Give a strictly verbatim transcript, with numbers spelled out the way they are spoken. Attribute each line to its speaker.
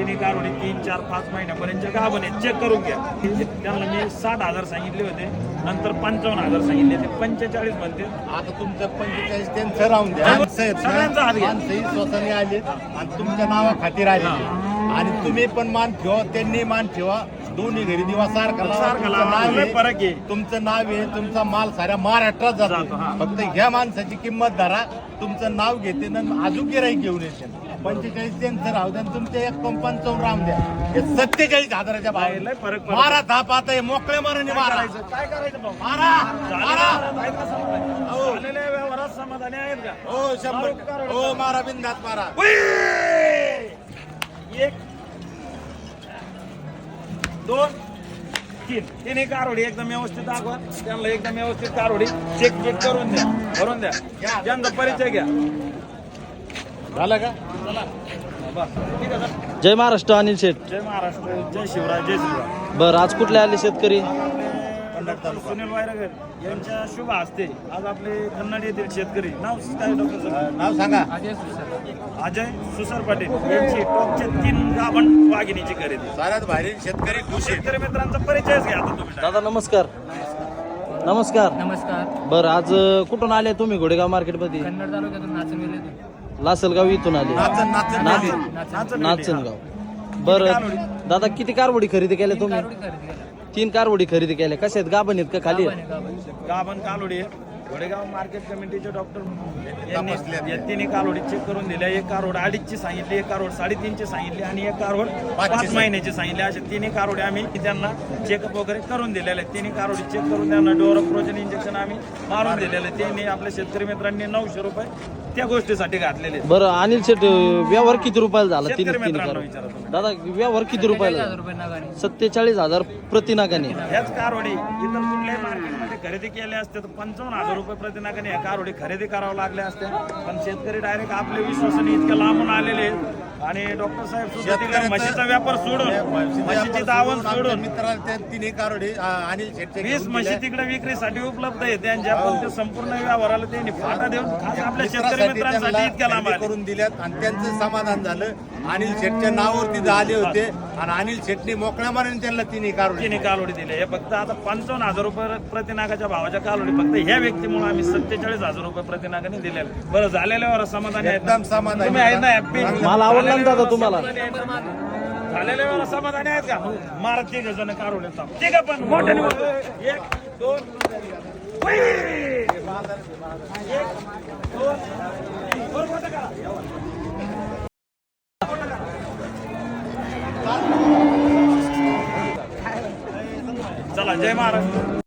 Speaker 1: तिन्ही कारोडी तीन चार पाच महिन्यापर्यंत गाभण आहे, चेक करून घ्या. त्यांना मी साठ हजार सांगितले होते, नंतर पंचावन्न हजार सांगितले, ते पंचेचाळीस म्हणते.
Speaker 2: आता तुमचं पंचेचाळीस त्यांचं राहून द्या.
Speaker 1: सगळ्यांचा हात घ्या.
Speaker 2: माणसंही स्वतःने आले आणि तुमच्या नावा खातीर आले आणि तुम्ही पण मान ठेवा, त्यांनी मान ठेवा. दोन्ही घरी दिवा सारखा
Speaker 1: सारखा लावा. लय फरक आहे.
Speaker 2: तुमचं नाव आहे, तुमचा माल साऱ्या महाराष्ट्रात जातो. फक्त ह्या माणसाची किंमत धरा, तुमचं नाव घेते ना अजून गिराईक घेऊन येते. पंचेचाळीस त्यांचं राहू द्या, तुमचे एक पंचावन्न राम द्या. हे सत्तेचाळीस हजाराच्या
Speaker 1: लय
Speaker 2: भाव
Speaker 1: फरक पडतो.
Speaker 2: मारा धाप आता हे मोकळ्या माराने मारा.
Speaker 1: काय करायचं भाऊ?
Speaker 2: मारा मारा
Speaker 1: हो. झालेल्या व्यवहारात समाधानी आहेत का?
Speaker 2: हो शंभर हो मारा बिंदात मारा.
Speaker 1: एक दोन तीन तीन एक कारोडी एकदम व्यवस्थित दाखवा. त्यांना एकदम व्यवस्थित कारोडी चेक चेक करून द्या, भरून द्या. त्यांचा परिचय घ्या.
Speaker 2: झालं का?
Speaker 1: चला बस ठीक आहे सर.
Speaker 3: जय महाराष्ट्र अनिल शेठ.
Speaker 1: जय महाराष्ट्र, जय शिवराय, जय शिवराय.
Speaker 3: बरं, आज कुठले आले शेतकरी?
Speaker 1: डॉक्टर सुनील वायरगर यांच्या शुभ हस्ते आज आपले कन्नड येथील शेतकरी. नाव काय डॉक्टर सर?
Speaker 2: नाव सांगा.
Speaker 1: अजय सुसर पाटील यांची टॉपच्या तीन गाभण वाघिणीची खरेदी.
Speaker 2: साऱ्यात भारी शेतकरी खुश आहेत.
Speaker 1: शेतकरी मित्रांचा परिचयच घ्या आता तुम्ही.
Speaker 3: दादा नमस्कार. नमस्कार.
Speaker 4: नमस्कार.
Speaker 3: बरं, आज अं, कुठून आले तुम्ही? घोडेगाव मार्केटमध्ये.
Speaker 4: कन्नड तालुक्यातून नाचन
Speaker 3: लासलगाव इथून आले.
Speaker 2: नाचन नाचन
Speaker 3: नाचन
Speaker 1: नाचन
Speaker 3: नाचनगाव. बरं दादा, किती कारवडी खरेदी केल्या तुम्ही?
Speaker 4: खरेदी केला.
Speaker 3: तीन कारवडी खरेदी केल्या. कशा आहेत? गाभण आहेत का खाली आहेत?
Speaker 1: गाभण कालोडी आहे. घोडेगाव मार्केट कमिटीचे डॉक्टर यांनी या तिन्ही कालोडी चेक करून दिल्या. एक कारोड अडीचची सांगितली, एक कारोड साडेतीनची सांगितली आणि एक कारोड पाच महिन्याची सांगितली. असे तिन्ही कारोडी आम्ही त्यांना चेकअप वगैरे करून दिलेले आहेत. तिन्ही कारोडी चेक करून त्यांना डोरोप्रोजन इंजेक्शन आम्ही मारून दिलेले आहेत. त्यांनी आपल्या शेतकरी मित्रांनी नऊशे रुपये त्या गोष्टीसाठी घातलेले आहेत.
Speaker 3: बरं अनिल शेठ, व्यवहार किती रुपयाला झाला? तीन
Speaker 1: शेतकरी
Speaker 3: तीन
Speaker 1: मित्रांनो
Speaker 3: कार
Speaker 1: विचारा तुम्ही.
Speaker 3: दादा, व्यवहार किती रुपयाला
Speaker 4: हजार
Speaker 3: झाला?
Speaker 4: रुपये नागाने.
Speaker 3: सत्तेचाळीस हजार प्रतिनागाने.
Speaker 1: ह्याच कारोडी इतर कुठल्याही मार्केटमध्ये खरेदी केले असते तर पंचावन्न हजार रुपये प्रतिनागाने ह्या कारोडी खरेदी करावं लागल्या असत्या. पण शेतकरी डायरेक्ट आपल्या विश्वासाने इतक्या लांबून आलेले आहेत. आणि डॉक्टर साहेब सुद्धा तिकडे म्हशीचा व्यापार सोडून, म्हशीची दावण सोडून
Speaker 2: मित्राला तिन्ही कारोडे अनिल शेटचे
Speaker 1: वीस म्हशी तिकडे विक्रीसाठी उपलब्ध आहे त्यांच्या. पण ते संपूर्ण व्यवहाराला त्यांनी फाटा देऊन खास आपल्या शेतकरी मित्रांसाठी इतक्या लांब आले.
Speaker 2: करून दिल्यात आणि त्यांचं समाधान झालं. अनिल शेटच्या नावावरती जे आले होते आणि अनिल शेटने मोकळ्या मारून त्यांना तिन्ही कारोडे
Speaker 1: तिन्ही कालोडी दिले. हे फक्त आता पंचावन्न हजार रुपये प्रतिनागाच्या भावाच्या कालोडी फक्त ह्या व्यक्तीमुळे आम्ही सत्तेचाळीस हजार रुपये प्रतिनागाने दिलेले. बरं, झालेल्यावर समाधानी आहेत ना?
Speaker 2: एकदम समाधानी.
Speaker 1: तुम्ही आहेत ना हॅप्पी?
Speaker 3: मला आवडला ना दादा तुम्हाला?
Speaker 1: झालेल्या वेळेला समाधानी आहेत का? मारा तिघ जण कारोडे ठीक आहे. पण मोठ्याने बोल. एक दोन हुई! एक दोन तीन. बरोबर होतं का? चला, जय महाराष्ट्र.